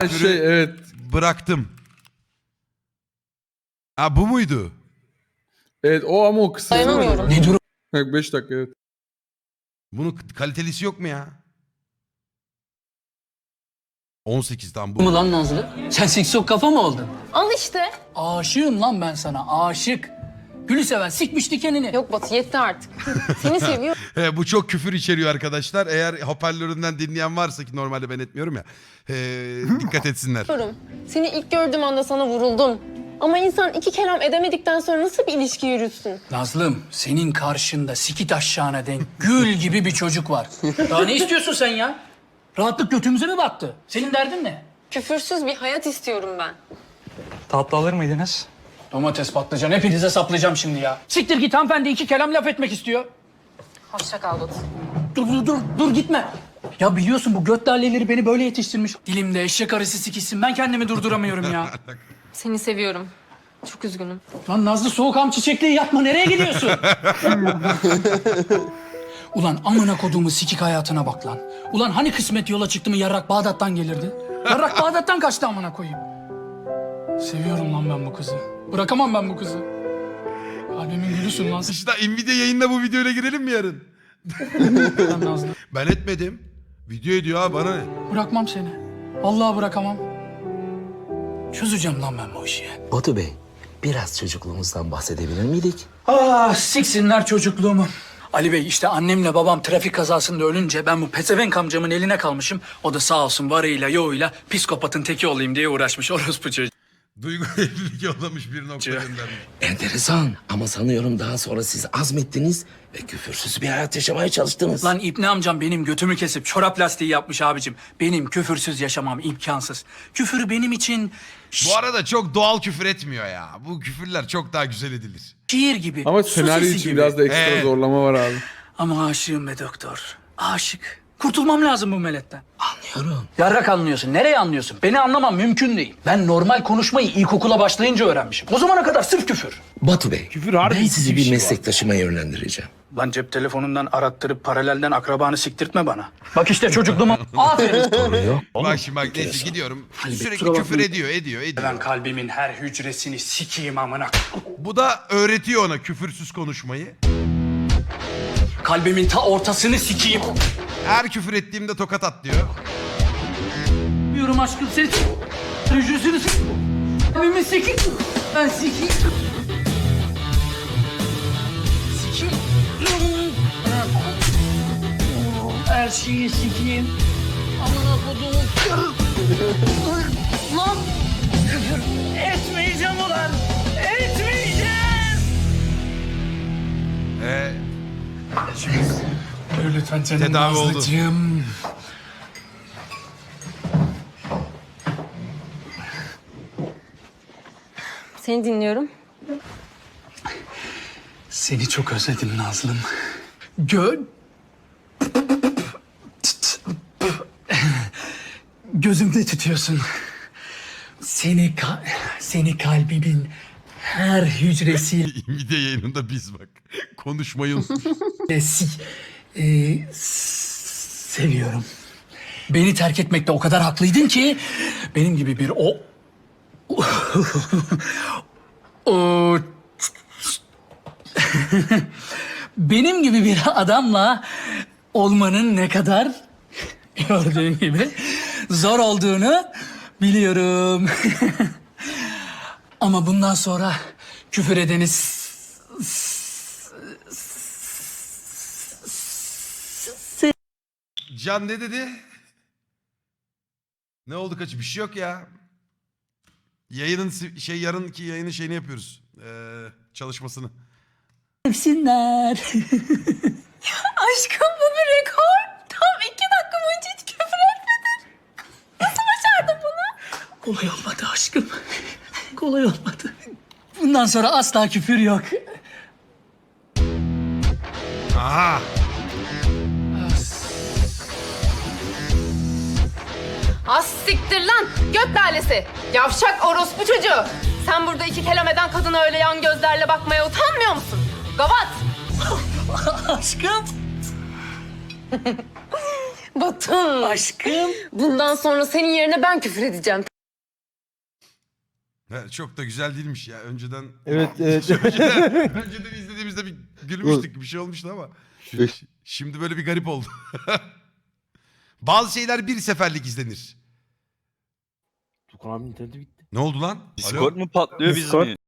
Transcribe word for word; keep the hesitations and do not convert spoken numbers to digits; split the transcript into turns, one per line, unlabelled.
Şey evet.
Bıraktım. Ha bu muydu?
Evet o ama o kısa.
Dayanamıyorum.
Ne durum? beş dakika evet.
Bunun kalitelisi yok mu ya? on sekiz tam bu.
Mı lan Nazlı? Sen siksok kafa mı oldun?
Al işte.
Aşığım lan ben sana, aşık. Gülü seven sikmiş dikenini.
Yok Batı yetti artık. Seni seviyorum.
He, bu çok küfür içeriyor arkadaşlar. Eğer hoparlöründen dinleyen varsa ki normalde ben etmiyorum ya. he, dikkat etsinler.
Seni ilk gördüğüm anda sana vuruldum. Ama insan iki kelam edemedikten sonra nasıl bir ilişki yürütsün?
Nazlım, senin karşında sikit aşağına denk gül gibi bir çocuk var. Daha ne istiyorsun sen ya? Rahatlık götümüze mi battı? Senin derdin ne?
Küfürsüz bir hayat istiyorum ben.
Tatlı alır mıydınız?
Domates, patlıcan hepinize saplayacağım şimdi ya. Siktir git, hanımefendi iki kelam laf etmek istiyor.
Hoşça kal Batı.
Dur dur dur dur gitme. Ya biliyorsun bu göt dalleleri beni böyle yetiştirmiş. Dilimde eşek arısı sikişsin, ben kendimi durduramıyorum ya.
Seni seviyorum. Çok üzgünüm.
Lan Nazlı soğukam çiçekliği yapma, nereye gidiyorsun? Ulan amına koduğumu sikik hayatına bak lan. Ulan hani kısmet yola çıktı mı yarrak Bağdat'tan gelirdi? Yarrak Bağdat'tan kaçtı amına koyayım. Seviyorum lan ben bu kızı. Bırakamam ben bu kızı. Kalbimin gülüsün lan
İşte Nvidia yayında bu videoyla girelim mi yarın?
sen Nazlı.
Ben etmedim. Video ediyor ha bana ne?
Bırakmam seni. Vallahi bırakamam. Çözeceğim lan ben bu işi.
Batu Bey, biraz çocukluğumuzdan bahsedebilir miydik?
Ah siksinler çocukluğumu. Ali Bey işte annemle babam trafik kazasında ölünce ben bu pezevenk amcamın eline kalmışım. O da sağ olsun varıyla yoğuyla psikopatın teki olayım diye uğraşmış orospu çocuğu.
Duygu evlilik yollamış bir nokta göndermiş.
Enteresan ama sanıyorum daha sonra siz azmettiniz ve küfürsüz bir hayat yaşamaya çalıştınız.
Lan İbni amcam benim götümü kesip çorap lastiği yapmış abicim. Benim küfürsüz yaşamam imkansız. Küfür benim için
Bu arada çok doğal küfür etmiyor ya. Bu küfürler çok daha güzel edilir.
şiir gibi.
Ama
su
senaryo
sesi
için
gibi.
biraz da ekstra
Evet.
zorlama var abi.
Ama aşığım be doktor. Aşık. Kurtulmam lazım bu meletten.
Anlıyorum.
Yarrak anlıyorsun. Nereye anlıyorsun? Beni anlamam mümkün değil. Ben normal konuşmayı ilkokula başlayınca öğrenmişim. O zamana kadar sırf küfür.
Batu Bey,
Küfür harbi
ben sizi
bir
bir
şey var.
meslektaşıma yönlendireceğim.
Lan cep telefonundan arattırıp paralelden akrabanı siktirtme bana. Bak işte çocukluğuma aferin.
Sorun yok.
Bak şimdi bak neyse
enteresan.
gidiyorum.
Bey,
Sürekli
kusura
küfür
bakmayın.
ediyor ediyor ediyor.
Ben kalbimin her hücresini sikeyim amına.
Bu da öğretiyor ona küfürsüz konuşmayı.
Kalbimin ta ortasını sikeyim.
Her küfür ettiğimde tokat at diyor.
Diyorum aşkım seni s- hücresini s- kalbimi sikeyim. Ben sikeyim. Sikeyim. Her şeyi sikeyim. Amına koduğum. Lan küfür etmeyeceğim ulan. Etmeyeceğim.
Ee,
Lütfen canım
Tedavi oldu.
Nazlıcığım.
Seni dinliyorum.
Seni çok özledim Nazlım. Gö... Gözümde tutuyorsun. Seni ka- seni kalbimin her hücresiyle
Nvidia yayınında biz bak. Konuşmayı unutmuş.
si- e, s- seviyorum. Beni terk etmekte o kadar haklıydın ki benim gibi bir o o benim gibi bir adamla olmanın ne kadar gördüğün gibi zor olduğunu biliyorum. Ama bundan sonra küfür edeni s- s-
Can ne dedi? Ne oldu kaçı? Bir şey yok ya. Yayının si- şey yarınki yayının şeyini yapıyoruz. Ee, çalışmasını.
sevsinler.
Aşkım bu bir rekor. Tam iki dakika boyunca hiç küfür etmedin. Nasıl başardın bunu?
Kolay olmadı aşkım. Kolay olmadı. Bundan sonra asla küfür yok.
Aha.
Az siktir lan. Göt lalesi. Yavşak orospu çocuğu. Sen burada iki kelam eden kadına öyle yan gözlerle bakmaya utanmıyor musun? Gavat.
Aşkım.
Batın.
Aşkım.
Bundan sonra senin yerine ben küfür edeceğim.
He, çok da güzel değilmiş ya. Önceden
Evet evet.
önceden, önceden izlediğimizde bir gülmüştük. Bir şey olmuştu ama. Ş- Şimdi böyle bir garip oldu. Bazı şeyler bir seferlik izlenir.
Tukan abinin interneti bitti.
Ne oldu lan? Alo?
Discord mu patlıyor biz
Discord.
mi?